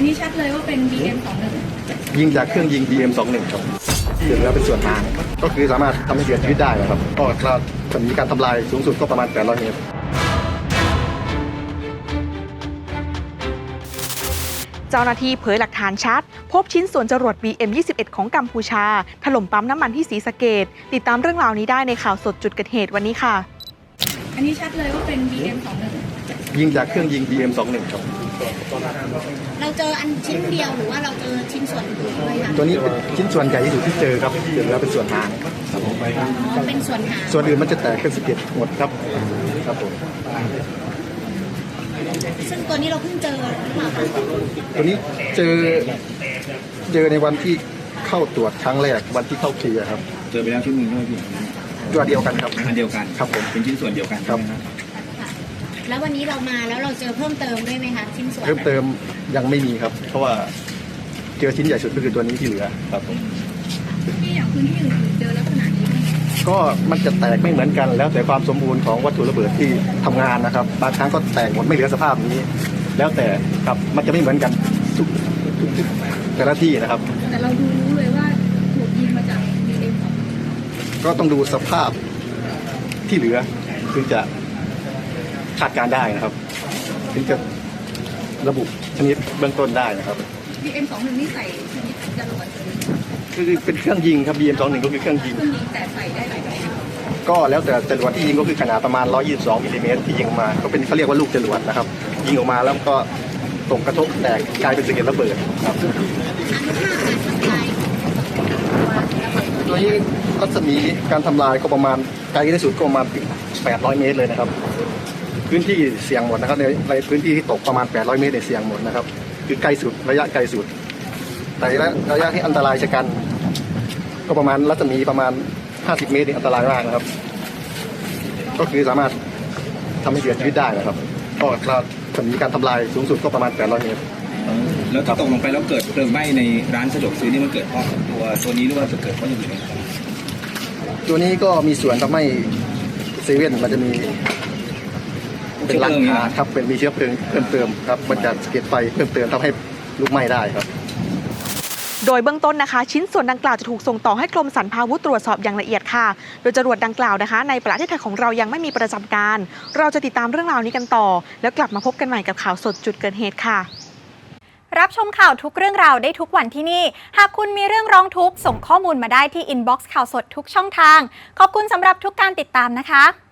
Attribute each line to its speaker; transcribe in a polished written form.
Speaker 1: นี้ชัดเลยว่าเป็น BM21
Speaker 2: ยิงจากเครื่องยิง BM21ครับถึงแล้วเป็นส่วนทางก็คือสามารถทำให้เสียชีวิตได้นะครับก็จะมีการทำลายสูงสุดก็ประมาณ800เมตร
Speaker 3: เจ้าหน้าที่เผยหลักฐานชัดพบชิ้นส่วนจรวด BM21 ของกัมพูชาถล่มปั๊มน้ำมันที่ศรีสะเกษติดตามเรื่องราวนี้ได้ในข่าวสดจุดเกิดเหตุวันนี้ค่ะ
Speaker 1: อันนี้ชัดเลยว่าเป็น BM21
Speaker 2: ยิงจากเครื่องยิง BM21ครับ
Speaker 1: เราเจออันชิ้นเดียวหรือว่าเราเจอชิ้นส่วนอื่นด้วยคะ
Speaker 2: ตัวนี้เป็นชิ้นส่วนใหญ่ที่สุดที่เจอครับถึงแล้วเป็นส่วนหางครับผม
Speaker 1: เป็นส่วนหาง
Speaker 2: ส่วนอื่นมันจะแตกเป็น11หมดครับครับผม
Speaker 1: ซึ่งตัวนี้เราเพิ่งเจอหรือเปล่าคะ
Speaker 2: ตัวนี้เจอในวันที่เข้าตรวจครั้งแรกวันที่เข้าเคลียร์ครับ
Speaker 4: เจอไปแล้วชิ้นหนึ่งด้วยพี่
Speaker 2: ตัวเดียวกันครับ
Speaker 4: อันเดียวกัน
Speaker 2: ครับผม
Speaker 4: เป็นชิ้นส่วนเดียวกัน
Speaker 2: ครับ
Speaker 1: แล้ววันนี้เรามาแล้วเราเจอเพิ่มเติมด้วยไหมคะชิ้นส่วน
Speaker 2: เพิ่มเติมยังไม่มีครับเพราะว่าเจอชิ้นใหญ่สุดก็คือตัวนี้ที่เหลือครับผม
Speaker 1: ที่อย่างพื้นที่อื่นเจอลักษณะนี้ไหม
Speaker 2: ก็มันจะแตกไม่เหมือนกันแล้วแต่ความสมบูรณ์ของวัตถุระเบิดที่ทำงานนะครับบางครั้งก็แตกหมดไม่เหลือสภาพนี้แล้วแต่ครับมันจะไม่เหมือนกันทุกแต่ละที่นะครับ
Speaker 1: แต่เราดูรู้เลยว่าถูกยิงมาจาก BM
Speaker 2: ก็ต้องดูสภาพที่เหลือถึงจะคาดการได้นะครับถึงจะระบุชนิดเบื้องต้นได้นะครับ
Speaker 1: BM21นี่ใส่ชนิดจรวด
Speaker 2: คือเป็นเครื่องยิงครับ BM21ก็คือเครื่องยิง
Speaker 1: แต่ใส่ได้หลายแบบ
Speaker 2: ก็แล้วแต่จรวดที่ยิงก็คือขนาดประมาณ122มิลลิเมตรที่ยิงออกมาก็เป็นเขาเรียกว่าลูกจรวดนะครับยิงออกมาแล้วก็ตกกระทบแตกกลายเป็นสะเก็ดระเบิดครับตัวนี้รัศมีการทำลายก็ประมาณไกลที่สุดก็ประมาณ800เมตรเลยนะครับพื้นที่เสี่ยงหมดนะครับในพื้นที่ที่ตกประมาณ800เมตรเนี่ยเสี่ยงหมดนะครับคือไกลสุดระยะไกลสุดแต่ระยะที่อันตรายชะกันก็ประมาณรัศมีประมาณ50เมตรนี่อันตรายมากนะครับก็คือสามารถทำให้เสียชีวิตได้นะครับก็จะมีการทำลายสูงสุดก็ประมาณ800เมตร
Speaker 4: แล้วถ้าตกลงไปแล้วเกิดเพลิงไหม้ในร้านสะดวกซื้อนี่มันเกิดเพราะตัวนี้หรือว่าจะเกิดเพราะอย่างอื่น
Speaker 2: ตัวนี้ก็มีส่วนทำให้เซเว่นมันจะมีเป็นหลังคาครับเป็นมีเชื้อเพลิงเพิ่มเติมครับมันจะสะเก็ดไฟเพิ่มเติมทำให้ลุกไหม้ได้ครับ
Speaker 3: โดยเบื้องต้นนะคะชิ้นส่วนดังกล่าวจะถูกส่งต่อให้กรมสรรพาวุธตรวจสอบอย่างละเอียดค่ะโดยจรวดดังกล่าวนะคะในประเทศไทยของเรายังไม่มีประจำการเราจะติดตามเรื่องราวนี้กันต่อแล้วกลับมาพบกันใหม่กับข่าวสดจุดเกิดเหตุค่ะ
Speaker 5: รับชมข่าวทุกเรื่องราวได้ทุกวันที่นี่หากคุณมีเรื่องร้องทุกข์ส่งข้อมูลมาได้ที่อินบ็อกซ์ข่าวสดทุกช่องทางขอบคุณสำหรับทุกการติดตามนะคะ